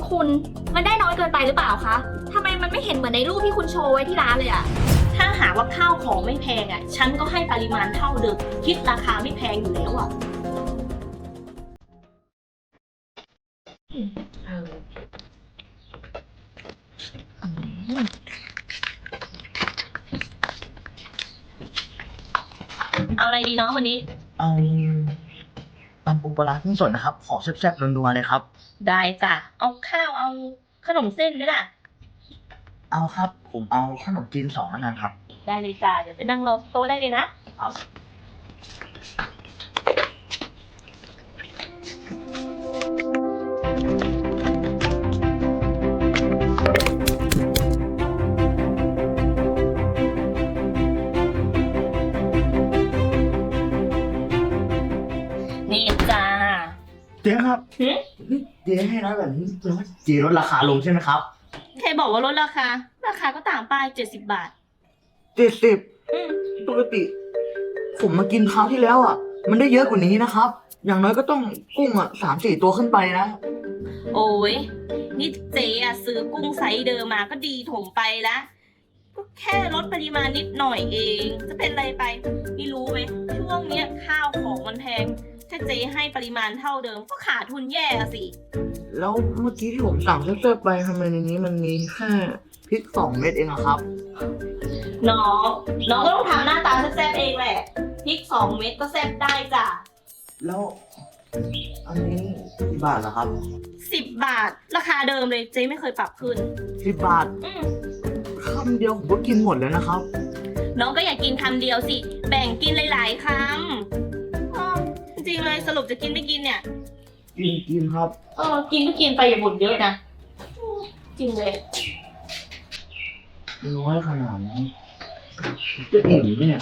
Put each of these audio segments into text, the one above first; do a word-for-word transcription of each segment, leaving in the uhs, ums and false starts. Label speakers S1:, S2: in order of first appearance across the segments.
S1: คุณมันได้น้อยเกินไปหรือเปล่าคะทำไมมันไม่เห็นเหมือนในรูปที่คุณโชว์ไว้ที่ร้านเลยอะ
S2: ถ้าหากว่าข้าวของไม่แพงอ่ะฉันก็ให้ปริมาณเท่าเดิมคิดราคาไม่แพงอยู่แล้วอ่ะเอาอะไรดีเนาะวันนี้
S3: เอาตำปูปลาร้ากุ้งสดนะครับ ขอแซ่บๆนัวๆเลยครับ
S2: ได้จ้ะเอาข้าวเอาขนมเส้นไหมล่ะ
S3: เอาครับ ผมเอาขนมจีนสองแล้วกันครับ
S2: ได้เลยจ้ะเดี๋ยวไปนั่งรอโต๊ะได้เลยนะนี่จ้า
S3: เจ๊ครับ
S2: หืม
S3: นี่เจ๊ให้น้อยแบบนี้แปลว่าเจ๊ลดราคาลงใช่ไหมครับ
S2: ใครบอกว่าลดราคา ราคาก็ตามป้ายเจ็ดสิบบาท
S3: เจ็ดสิบ
S2: อืม
S3: ปกติ ผมมากินคราวที่แล้วอ่ะ มันได้เยอะกว่านี้นะครับ อย่างน้อยก็ต้องกุ้งอ่ะสามสี่ตัวขึ้นไปนะ
S2: โอ้ยนี่เจ๊อะซื้อกุ้งไซส์เดิมมาก็ดีถมไปละก็แค่ลดปริมาณนิดหน่อยเอง จะเป็นไรไปนี่รู้ไหมช่วงเนี้ยข้าวของมันแพง ถ้าเจ๊ให้ปริมาณเท่าเดิมก็ขาดทุนแย่อะสิ
S3: แล้วเมื่อกี้ที่ผมสั่งแซ่บๆไปทำไมในนี้มันมีแค่พริกสองเม็ดเองอะครับ
S2: น้อง น้องก็ต้องทำหน้าตาแซ่บๆเองแหละพริกสองเม็ดก็แซ่บได้จ้ะ
S3: แล้วอันนี้กี่บาทเหรอครับ
S2: สิบบาทราคาเดิมเลยเจ๊ไม่เคยปรับขึ้น
S3: สิบบาท
S2: อืม
S3: คำเดียวผมก็กินหมดแล้วนะครับ
S2: น้องก็อย่ากินคำเดียวสิ แบ่งกินหลายๆคำอ้อจริงๆเลยสรุปจะกินไม่กินเนี่ย
S3: กินกินครับ
S2: เออ กินก็กินไปอย่าบ่นเยอะนะ จริงเลย
S3: น้อยขนาดนี้จะอิ่มไหมเนี่ย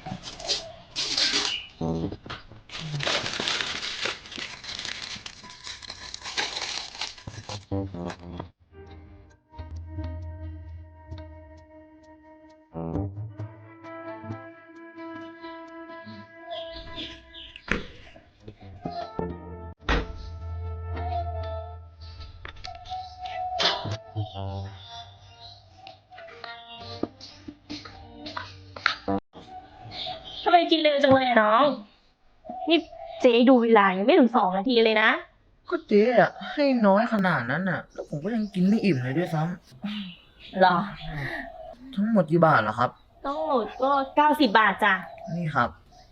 S2: ทำไมกินเร็วจังเลยอะน้อง นี่เจ๊ดูเวลายังไม่ถึงสองนาทีเลยนะ
S3: ก็เจ๊อะให้น้อยขนาดนั้นน่ะ แล้วผมก็ยังกินไม่อิ่มเลยด้วยซ้
S2: หรอ
S3: ำทั้งหมดกี่บาทเหรอครับ
S2: ต้องหมดก็เก้าสิบบาทจ้ะ
S3: นี่ครับ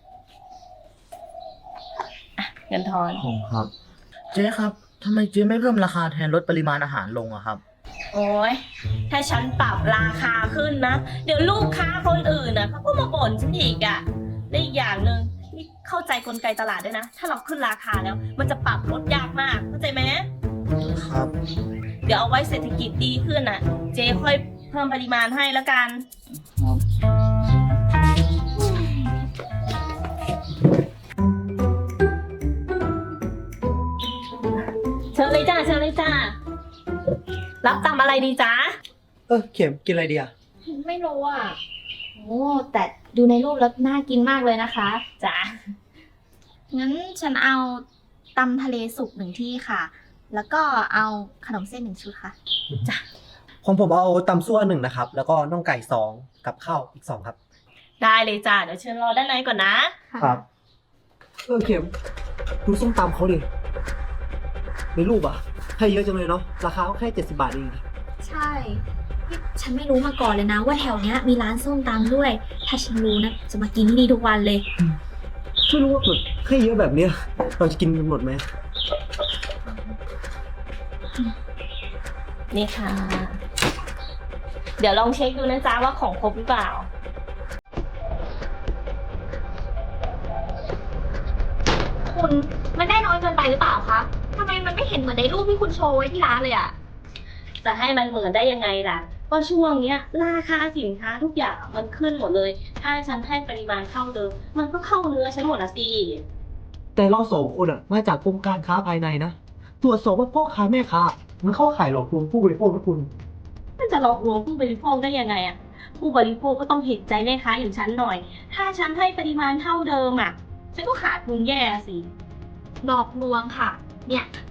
S2: เงินทอน
S3: ผมครับ เจ๊ครับทำไมเจ๊ไม่เพิ่มราคาแทนลดปริมาณอาหารลงอะครับ
S2: โอ้ยถ้าฉันปรับราคาขึ้นนะ เดี๋ยวลูกค้าคนอื่นนะเขาก็มาบ่นฉันอีกอะและอีกอย่างหนึ่งนี่เข้าใจกลไกตลาดด้วยนะ ถ้าเราขึ้นราคาแล้ว มันจะปรับลดยากมาก เข้าใจไหม
S3: ครับ
S2: เดี๋ยวเอาไว้เศรษฐกิจดีขึ้นน่ะ เจ๊ค่อยเพิ่มปริมาณให้แล้วกัน
S3: ครับ
S2: เชิญเลยจ้าเชิญเลยจ้า รับตำอะไรดีจ้า
S4: เออเข็มกินอะไรดีอ่ะ
S1: ไม่รู้อ่ะโอ้แต่ดูในรูปแล้วน่ากินมากเลยนะคะ
S2: จ้า
S1: งั้นฉันเอาตำทะเลสุกหนึ่งที่ค่ะ แล้วก็เอาขนมเส้นหนึ่งชุดค่ะ
S4: ของผมเอาตำซั่วหนึ่งนะครับ แล้วก็น่องไก่สองกับข้าวอีกสองครับ
S2: ได้เลยจ้า เดี๋ยวเชิญรอด้านในก่อนนะ
S4: ครับเออเข็มดูส้มตำเขาดิในรูปอ่ะให้เยอะจังเลยเนาะราคาก็แค่เจ็ดสิบบาทเอง
S1: ใช่นี่ฉันไม่รู้มาก่อนเลยนะ ว่าแถวเนี้ยมีร้านส้มตำด้วย ถ้าฉันรู้นะจะมากินที่นี่ทุกวันเลย
S4: ไม่รู้ว่าแบบให้เยอะแบบเนี้ยเราจะกินกันหมดไหม
S2: นี่ค่ะ เดี๋ยวลองเช็คดูนะจ๊ะว่าของครบหรือเปล่า
S1: คุณมันได้น้อยเกินไปหรือเปล่าคะทำไมมันไม่เห็นเหมือนในรูปที่คุณโชว์ไว้ที่ร้านเลยอะ
S2: จะให้มันเหมือนได้ยังไงล่ะ ก็ช่วงเนี้ยราคาสินค้าทุกอย่างมันขึ้นหมดเลย ถ้าฉันให้ปริมาณเท่าเดิม มันก็เข้าเนื้อฉันหมดนะสิ
S4: แต่เราสองคนอ่ะมาจากกรมการค้าภายในนะตรวจสอบว่าพ่อค้าแม่ค้ามันเข้าข่ายหลอกลวงผู้บริโภคนะคุณ
S2: มันจะหลอกลวงผู้บริโภคได้ยังไงอะผู้บริโภคก็ต้องเห็นใจแม่ค้าอย่างฉันหน่อย ถ้าฉันให้ปริมาณเท่าเดิมอะฉันก็ขาดทุนแย่สิ
S1: หลอกลวงค่ะ เนี่ย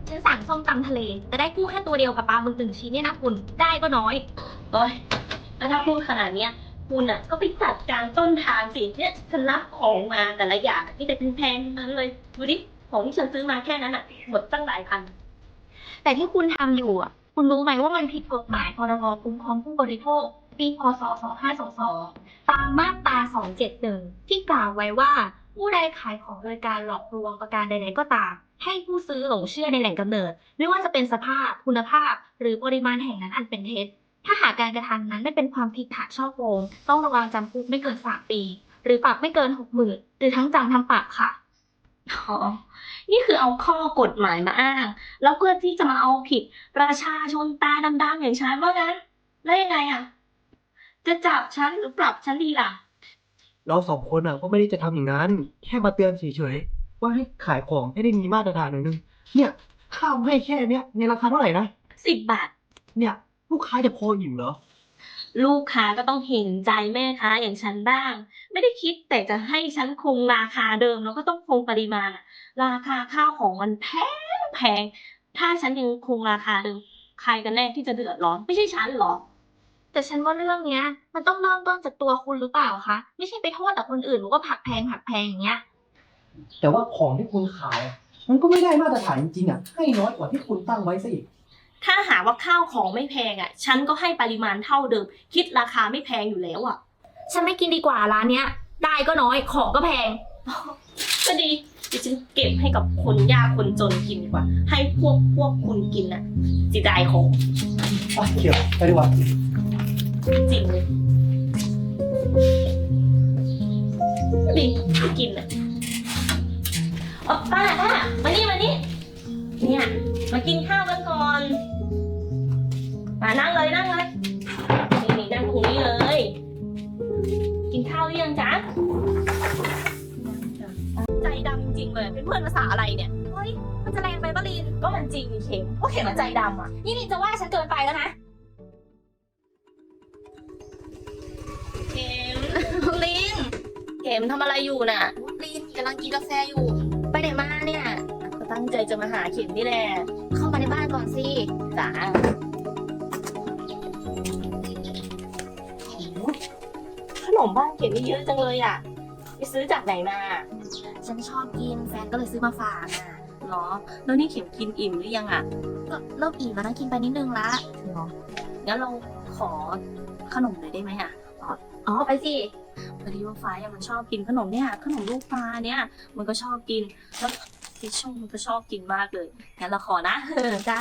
S1: ฉันสั่งส้มตำทะเลแต่ได้กุ้งแค่ตัวเดียวกับปลาหมึกหนึ่งชิ้นเนี่ยนะคุณได้ก็น้อย
S2: โอ้ยแล้วถ้าพูดขนาดเนี้ยคุณอ่ะก็ไปจัดการต้นทางสิเนี่ยฉันรับของมาแต่ละอย่างนี่แต่แพงๆทั้งนั้นเลยดูดิของที่ฉันซื้อมาแค่นั้นอ่ะหมดตั้งหลายพัน
S1: แต่ที่คุณทำอยู่อ่ะ คุณรู้ไหมว่ามันผิดกฎหมายพรบคุ้มครองผู้บริโภคปีพศสองห้าสองสองตามมาตราสองเจ็ดหนึ่งที่กล่าวไว้ว่าผู้ใดขายของโดยการหลอกลวงประการใดๆก็ตาม ให้ผู้ซื้อหลงเชื่อในแหล่งกำเนิด ไม่ว่าจะเป็นสภาพคุณภาพ หรือปริมาณแห่งนั้นอันเป็นเท็จ ถ้าหากการกระทำนั้นไม่เป็นความผิดฐานฉ้อโกงต้องระวังจำคุกไม่เกินสามปี หรือปรับไม่เกินหกหมื่นหรือทั้งจำทั้งปรับค่ะ
S2: อ๋อ นี่คือเอาข้อกฎหมายมาอ้าง แล้วเพื่อที่จะมาเอาผิดประชาชนตาดำๆอย่างฉันว่างั้น แล้วยังไงอ่ะ จะจับฉันหรือปรับฉันดีล่ะ
S4: เราสองคนอ่ะก็ไม่ได้จะทำอย่างนั้น แค่มาเตือนเฉยๆว่าให้ขายของให้ได้มีมาตรฐานหน่อยนึง เนี่ยข้าวให้แค่เนี้ยในราคาเท่าไหร่นะ
S2: สิบบาท
S4: เนี่ย ลูกค้าจะพออิ่มเหรอ
S2: ลูกค้าก็ต้องเห็นใจแม่ค้าอย่างฉันบ้าง ไม่ได้คิดแต่จะให้ฉันคงราคาเดิมแล้วก็ต้องคงปริมาณ ราคาข้าวของมันแพงแพง ถ้าฉันยังคงราคาเดิม ใครกันแน่ที่จะเดือดร้อน ไม่ใช่ฉันหรอ
S1: แต่ฉันว่าเรื่องเนี้ย มันต้องเริ่มต้นจากตัวคุณหรือเปล่าคะไม่ใช่ไปโทษแต่คนอื่นว่าผักแพงผักแพงอย่างเงี้ย
S4: แต่ว่าของที่คุณขายอะมันก็ไม่ได้มาตรฐานจริงๆอ่ะ ให้น้อยกว่าที่คุณตั้งไว้ซะอีก
S2: ถ้าหาว่าข้าวของไม่แพงอ่ะ ฉันก็ให้ปริมาณเท่าเดิม คิดราคาไม่แพงอยู่แล้วอ่ะ
S1: ฉันไม่กินดีกว่าร้านเนี้ย ได้ก็น้อยของก็แพง
S2: ก็ดีเดี๋ยวฉันเก็บให้กับคนยากคนจนกินดีกว่า ให้พวกพวกคุณกินน่ะจิได้ของ
S4: ไปเขียวไปดีกว่า
S2: จริงเลยดีไปกินน่ะอ๋อป้าป้ามานี่มานี่เนี่ยมากินข้าวกันก่อนมานั่งเลยนั่งเลยนี่นี่นั่งตรงนี้เลย กินข้าวหรือยังจ๊ะใจดำจริงๆเลยเป็นเพื่อนภาษาอะไรเนี่ย
S1: เฮ้ย มันจะแรงไปปะลิน
S2: ก็มันจริงนี่เข็มก็เข็มมันใจดำอ่ะ
S1: นี่ลินจะว่าฉันเกินไปแล้วนะ
S2: เข็ม ลินเข็มทำอะไรอยู่น่ะ
S1: ลินกำลังกินกาแฟอยู่ ไปไหนมาเนี่ย
S2: ก็ตั้งใจจะมาหาเข็มนี่แหละ
S1: เข้ามาในบ้านก่อนสิ
S2: จ๋าขนมบ้านเข็มนี่เยอะจังเลยอ่ะไปซื้อจากไหนมา
S1: ฉันชอบกินแฟนก็เลยซื้อมาฝากอ่ะ
S2: เหรอ แล้วนี่เข็มกินอิ่มหรือยังอ่ะ
S1: ก็เริ่มอิ่มแล้วนะกินไปนิดนึงละ
S2: เหรองั้นเราขอขนมหน่อยได้ไหมอ่ะ
S1: อ๋อไปสิ
S2: พอดีว่าฟ้าอะมันชอบกินขนมเนี่ยขนมลูกปลาเนี่ยมันก็ชอบกินแล้วทิชชู่มันก็ชอบกินมากเลยงั้นเราขอนะ
S1: จ้า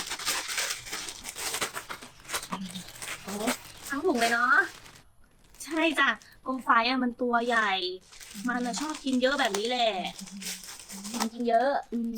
S1: ทั้งถุงเลยเนาะ
S2: ใช่จ้ะกงไฟอะมันตัวใหญ่ มันอะชอบกินเยอะแบบนี้แหละ
S1: มันกินเยอะ
S2: อืม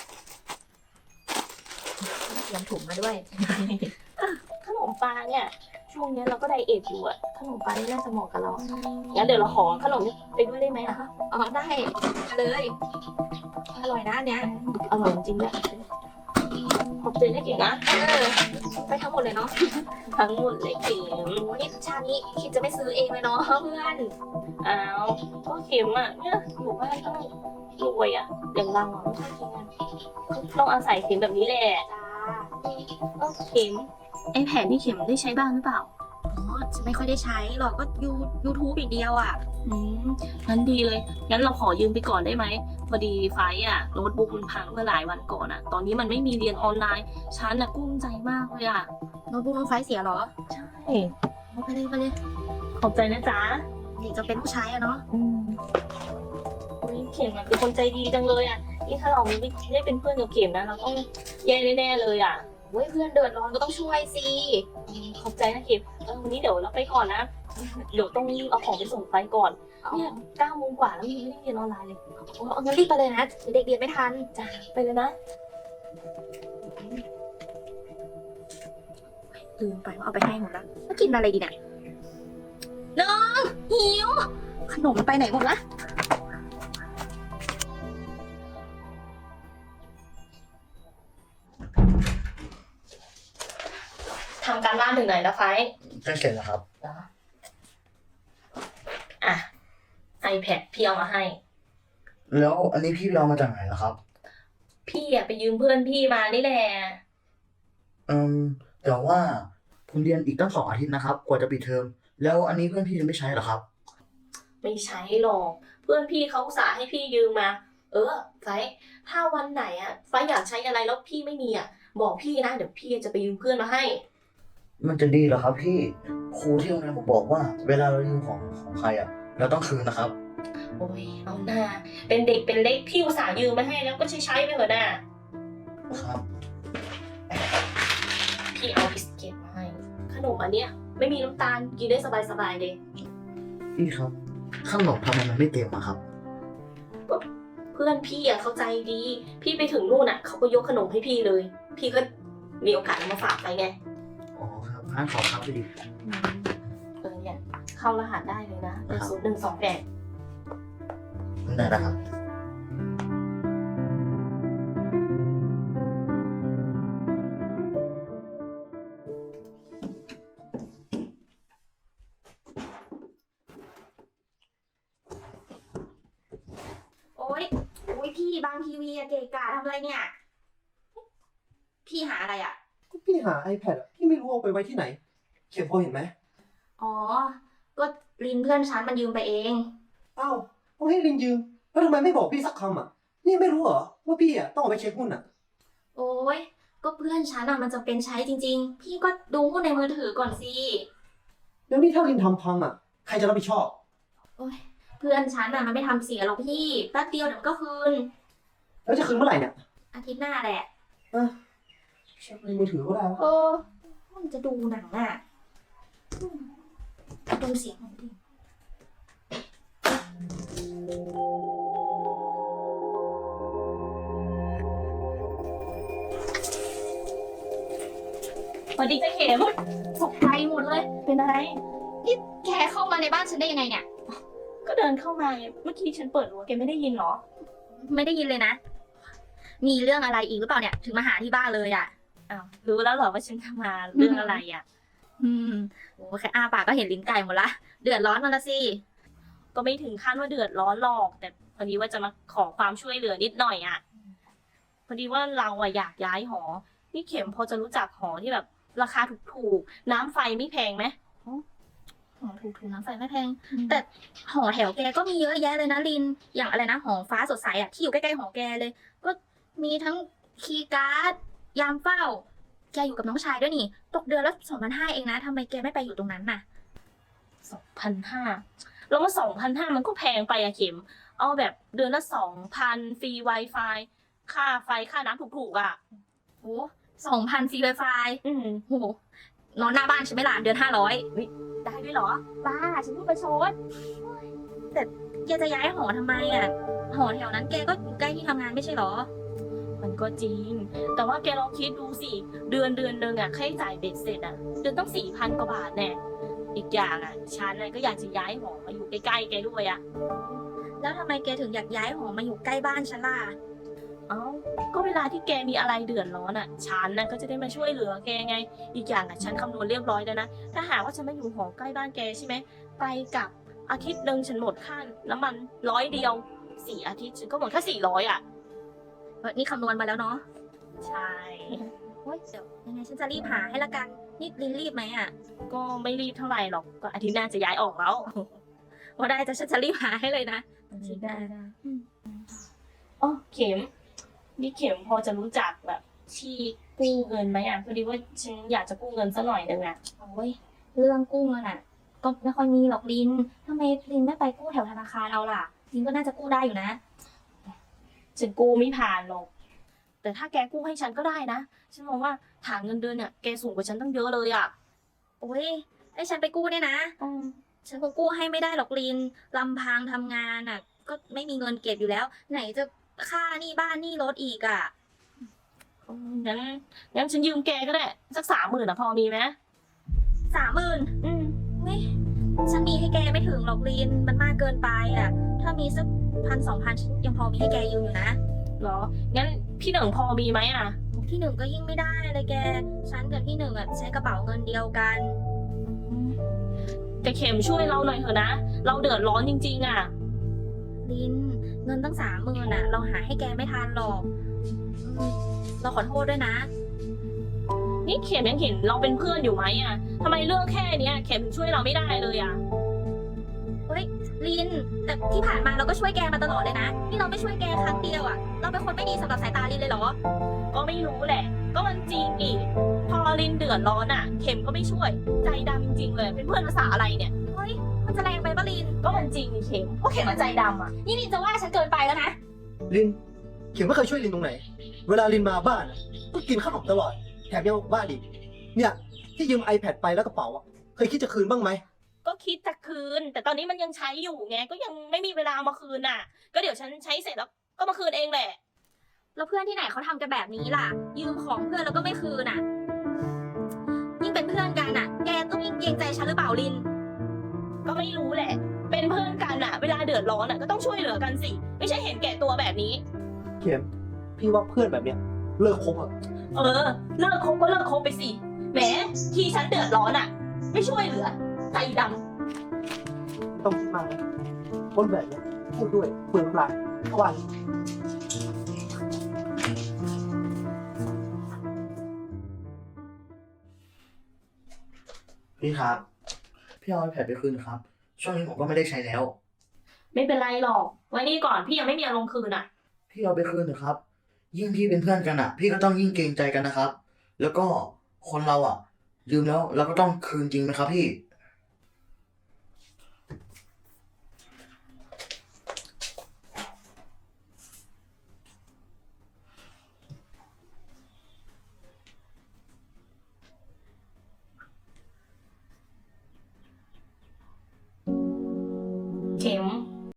S1: เตรียมถุงมาด้วย
S2: ขนมปลาเนี่ยช่วงนี้เราก็ไดเอทอยู่อะขนมปลานี่น่าจะเหมาะกับเรางั้นเดี๋ยวเราขอขนมนี้ไปด้วยได้ไหมอะ
S1: อ๋อได้เลย อร่อยนะอันเนี้ย
S2: อร่อยจริงๆด้วยขอบใจนะเก๋นะ
S1: เออไปทั้งหมดเลยเนาะ
S2: ทั้งหมดเลยเข็ม
S1: โอ้นี่ชาตินี้คิดจะไม่ซื้อเองเลยเนาะเพื่อน
S2: อ้าวก็เข็มอะเนี่ยอยู่บ้านต้องรวยอะอย่างเราอะไม่ค่อยกินอะต้องอาศัยเข็มแบบนี้แหละ
S1: จ้า
S2: เออเข็มไอแผนที่เข็มได้ใช้บ้างหรือเปล่า
S1: อ๋อฉันไม่ค่อยได้ใช้หรอกก็ยูยูทูบอีกเดียวอ่ะ
S2: อืมงั้นดีเลย งั้นเราขอยืมไปก่อนได้ไหม พอดีไฟล์อะโน้ตบุ๊กมันพังเมื่อหลายวันก่อนอะตอนนี้มันไม่มีเรียนออนไลน์ ฉันอะกุ้มใจมากเลยอะ
S1: โน้ตบุ๊กน้องไฟเสียเหรอ
S2: ใช่
S1: เอาไปเลยไปเลย
S2: ขอบใจนะจ๊ะ
S1: เด็กจะเป็นผู้ชายอะเนาะ
S2: อืมอุ๊ยเข็มอะเป็นคนใจดีจังเลยอะนี่ถ้าเราไม่ได้เป็นเพื่อนกับเข็มนะเราต้องแย่แน่ๆเลยอะ
S1: เว้ยเพื่อนเดือดร้อนก็ต้องช่วยสิ
S2: ขอบใจนะเข็มเออวันนี้เดี๋ยวเราไปก่อนนะ เดี๋ยวต้องรีบเอาของไปส่งไฟล์ก่อน เนี่ยเก้าโมงกว่าแล้วยังไม่ได้เรียนออนไลน์เลย
S1: เอางั้นรีบไปเลยนะเด็กเรียนไม่ทัน
S2: จ้ะไปเลยนะ
S1: ลืมไปว่าเอาไปให้หมดแล้วแล้วกินอะไรดีเนี่ยน้องหิวขนมไปไหนหมดละ
S2: ทำการบ้านถึงไหนแล้วไฟล์
S3: ใกล้เสร็จแล้วครับ
S2: อ่ะ iPad พี่เอามาให้
S3: แล้วอันนี้พี่ไปเอามาจากไหนล่ะครับ
S2: พี่อะไปยืมเพื่อนพี่มานี่แหละ
S3: เอืมแต่ว่าผมเรียนอีกตั้งสองอาทิตย์นะครับ กว่าจะปิดเทอม แล้วอันนี้เพื่อนพี่จะไม่ใช้เหรอครับ
S2: ไม่ใช้หรอก เพื่อนพี่เขาอุตส่าห์ให้พี่ยืมมา เออไฟถ้าวันไหนอะไฟอยากใช้อะไรแล้วพี่ไม่มีอะบอกพี่นะเดี๋ยวพี่จะไปยืมเพื่อนมาให้
S3: มันจะดีเหรอครับพี่ ครูที่โรงเรียนผมบอกว่า เวลาเรายืมของของใครอ่ะ เราต้องคืนนะครับ
S2: โอ้ยเอาหน้าเป็นเด็กเป็นเล็กพี่อุตส่าห์ยืมมาให้แล้วก็ใช้ใช้ไปเถอะนะครับ พี่เอาบิสกิตมาให้ ขนมอันเนี้ยไม่มีน้ำตาลกินได้สบายๆเลย
S3: พี่ครับขนมทำไมมันไม่เต็มอะครับ
S2: เพื่อนพี่อะเข้าใจดี พี่ไปถึงนู่นอะเขาก็ยกขนมให้พี่เลย พี่ก็มีโอกาสเอามาฝากไปไง
S3: อ๋อครับงั้นขอครับพี่ดิ
S2: เออเนี่ยเข้ารหัสได้เลยนะเป็นศูนย์หนึ่งสองแปด
S3: ได้แล้วครับ
S1: โอ๊ยโอ๊ยพี่บางทีวีอะเกะกะทำอะไรเนี่ย พี่หาอะไรอะ
S4: ก็พี่หา iPad อะพี่ไม่รู้เอาไปไว้ที่ไหน เขียนพอเห็นไหม
S1: อ๋อ ก็ลินเพื่อนฉันมันยืมไปเอง
S4: อ้าวต้องให้ลินยืม แล้วทำไมไม่บอกพี่สักคำอ่ะ นี่ไม่รู้เหรอว่าพี่อ่ะต้องเอาไปเช็คหุ้นอ่ะ
S1: โอ๊ย ก็เพื่อนฉันอะมันจะเป็นใช้จริง ๆ พี่ก็ดูหุ้นในมือถือก่อนสิ
S4: แล้วนี่ถ้าลินทำพังอ่ะ ใครจะรับผิดชอบ
S1: โอ๊ย เพื่อนฉันอะมันไม่ทำเสียหรอกพี่ แป๊บเดียวเดี๋ยวมันก็คืน
S4: แล้วจะคืนเมื่อไหร่เนี่ย
S1: อาทิตย์หน้าแหละ
S4: อ่ะเช็คในมือถือก็ได้วะ
S1: เออมันจะดูหนังอะอืมดูเสียงหน่อยดิ
S2: สวัสดีจ้าเข็ม
S1: ตกใจหมดเลย
S2: เป็นอะไร
S1: นี่แกเข้ามาในบ้านฉันได้ยังไงเนี่ย
S2: ก็เดินเข้ามาไงเมื่อกี้ฉันเปิดรั้วแกไม่ได้ยินเหรอ
S1: ไม่ได้ยินเลยนะ มีเรื่องอะไรอีกหรือเปล่าเนี่ย ถึงมาหาที่บ้านเลยอะ
S2: อ้าวรู้แล้วเหรอว่าฉันจะมาเรื่องอะไรอ่ะ
S1: อืมโอ้แค่อ้าปากก็เห็นลิ้นไก่หมดละ เดือดร้อนมาละสิ
S2: ก็ไม่ถึงขั้นว่าเดือดร้อนหรอก แต่พอดีว่าจะมาขอความช่วยเหลือนิดหน่อยอ่ะ พอดีว่าเราอะอยากย้ายหอ นี่เข็มพอจะรู้จักหอที่แบบราคาถูกๆ น้ำไฟไม่แพงไหม
S1: หอถูกถูกน้ำไฟไม่แพง แต่หอแถวแกก็มีเยอะแยะเลยนะลิน อย่างอะไรนะหอฟ้าสดใสอะที่อยู่ใกล้ๆหอแกเลย ก็มีทั้งคีย์การ์ด ยามเฝ้า แกอยู่กับน้องชายด้วยนี่ ตกเดือนละสองพันห้าเองนะทำไมแกไม่ไปอยู่ตรงนั้นน่ะ
S2: สองพันห้าแล้วว่าสองพันห้ามันก็แพงไปอะเข็ม เอาแบบเดือนละสองพันฟรี Wi-Fi ค่าไฟค่าน้ำถูกๆอะ
S1: โอ้สองพันฟรีไวไฟ
S2: อืม
S1: โอ้โหนอนหน้าบ้านใช่ไหมล่ะเดือนห้าร้อย
S2: ได้ด้วยเหรอ
S1: บ้าฉันพูดประชดแต่แกจะย้ายหอทำไมอ่ะ หอแถวนั้นแกก็อยู่ใกล้ที่ทำงานไม่ใช่เหรอ
S2: มันก็จริง แต่ว่าแกลองคิดดูสิ เดือนเดือนหนึ่งอะค่าใช้จ่ายเบ็ดเสร็จอะเดือนต้องสี่พันกว่าบาทแน่อีกอย่างอะฉันน่ะก็อยากจะย้ายหอมาอยู่ใกล้ๆแกด้วยอะ
S1: แล้วทำไมแกถึงอยากย้ายหอมาอยู่ใกล้บ้านฉันล่ะ
S2: เอ้า ก็เวลาที่แกมีอะไรเดือดร้อนอะฉันน่ะก็จะได้มาช่วยเหลือแกไง อีกอย่างอะฉันคำนวณเรียบร้อยแล้วนะ ถ้าหากว่าฉันมาอยู่หอใกล้บ้านแกใช่ไหม ไปกลับอาทิตย์หนึ่งฉันหมดค่าน้ำมันร้อยเดียวสี่อาทิตย์ฉันก็หมดแค่สี่ร้อยอะ
S1: เออนี่คำนวณมาแล้วเนาะ
S2: ใช่
S1: โอ๊ยเดี๋ยวยังไงฉันจะรีบหาให้ละกัน นี่ลินรีบไหมอ่ะ
S2: ก็ไม่รีบเท่าไหร่หรอก ก็อาทิตย์หน้าจะย้ายออกแล้ว
S1: ว่าได้จะฉันจะรีบหาให้เลยนะ
S2: ได้ได้อ๋อเข็ม นี่เข็มพอจะรู้จักแบบที่กู้เงินไหมอ่ะพอดีว่าฉันอยากจะกู้เงินสักหน่อยนึงอ่ะ
S1: โอ้ยเรื่องกู้เงินอ่ะ ก็ไม่ค่อยมีหรอกลินทำไมลินไม่ไปกู้แถวธนาคารเราล่ะลินก็น่าจะกู้ได้อยู่นะ
S2: ฉันกู้ไม่ผ่านหรอก แต่ถ้าแกกู้ให้ฉันก็ได้นะ ฉันมองว่าฐานเงินเดือนเนี่ยแกสูงกว่าฉันตั้งเยอะเลยอ่ะ
S1: โอ้ยให้ฉันไปกู้เนี่ยนะ
S2: อืม
S1: ฉันคงกู้ให้ไม่ได้หรอกลินลำพังทำงานอ่ะ ก็ไม่มีเงินเก็บอยู่แล้ว ไหนจะค่าหนี้บ้านหนี้รถอีกอ่ะ
S2: งั้นงั้นฉันยืมแกก็ได้ สักสามหมื่นอ่ะพอมีไหม
S1: สามหมื่น
S2: อืม
S1: นี่ฉันมีให้แกไม่ถึงหรอกลินมันมากเกินไปอ่ะ ถ้ามีสักพันสองพันฉันยังพอมีให้แกยืมอยู่นะ
S2: เหรอ งั้นพี่หนึ่งพอมีไหมอ่ะ
S1: ที่หนึ่งก็ยิ่งไม่ได้เลยแก ฉันกับที่หนึ่งอ่ะใช้กระเป๋าเงินเดียวกัน
S2: แต่เข็มช่วยเราหน่อยเถอะนะ เราเดือดร้อนจริงๆอ่ะ
S1: ลินเงินตั้งสามหมื่นอ่ะ เราหาให้แกไม่ทันหรอกเราขอโทษด้วยนะ
S2: นี่เข็มยังเห็นเราเป็นเพื่อนอยู่ไหมอ่ะทำไมเรื่องแค่เนี้ยเข็มถึงช่วยเราไม่ได้เลยอ่ะ
S1: เฮ้ยลิน แต่ที่ผ่านมาเราก็ช่วยแกมาตลอดเลยนะ นี่เราไม่ช่วยแกครั้งเดียวอะเราเป็นคนไม่ดีสำหรับสายตาลินเลยเหรอ
S2: ก็ไม่รู้แหละ ก็มันจริงอีกพอลินเดือดร้อนอ่ะ เข็มก็ไม่ช่วย ใจดำจริงๆเลย เป็นเพื่อนภาษาอะไรเนี่ย
S1: เฮ้ย มันจะแรงไปปะลิน
S2: ก็มันจริงนี่เข็มก็เข็มมันใจดำอ่ะ
S1: นี่ลินจะว่าฉันเกินไปแล้วนะ
S4: ลิน เข็มไม่เคยช่วยลินตรงไหน เวลาลินมาบ้านอะก็กินขนมตลอด แถมยังบ้านอีก เนี่ย ที่ยืม iPad ไปแล้วกระเป๋าอะเคยคิดจะคืนบ้างไหม
S2: ก็คิดจะคืน แต่ตอนนี้มันยังใช้อยู่ไง ก็ยังไม่มีเวลาเอามาคืนน่ะ ก็เดี๋ยวฉันใช้เสร็จแล้วก็มาคืนเองแหละ
S1: แล้วเพื่อนที่ไหนเขาทำกันแบบนี้ล่ะ ยืมของเพื่อนแล้วก็ไม่คืนอ่ะ ยิ่งเป็นเพื่อนกันอ่ะ แกต้องยิ่งเกรงใจฉันหรือเปล่าลิน
S2: ก็ไม่รู้แหละ เป็นเพื่อนกันอ่ะ เวลาเดือดร้อนอ่ะก็ต้องช่วยเหลือกันสิ ไม่ใช่เห็นแก่ตัวแบบนี้
S4: เข็ม พี่ว่าเพื่อนแบบเนี้ยเลิกคบอะ
S2: เออ เลิกคบก็เลิกคบไปสิ แหม ที่ฉันเดือดร้อนอ่ะ ไม่ช่วยเหลือ ใจดำ
S4: ไม่ต้องคิดมากนะคนแบบเนี้ยพูดด้วยเปลืองเปล่าเพราะว่า
S3: พี่ครับ พี่เอา iPad ไปคืนครับ ช่วงนี้ผมก็ไม่ได้ใช้แล้ว
S2: ไม่เป็นไรหรอก ไว้นี่ก่อนพี่ยังไม่มีอารมณ์คืนอ่ะ
S3: พี่เอาไปคืนเถอะครับ ยิ่งพี่เป็นเพื่อนกันอ่ะ พี่ก็ต้องยิ่งเกรงใจกันนะครับ แล้วก็คนเราอ่ะ ลืมแล้วเราก็ต้องคืนจริงไหมครับพี่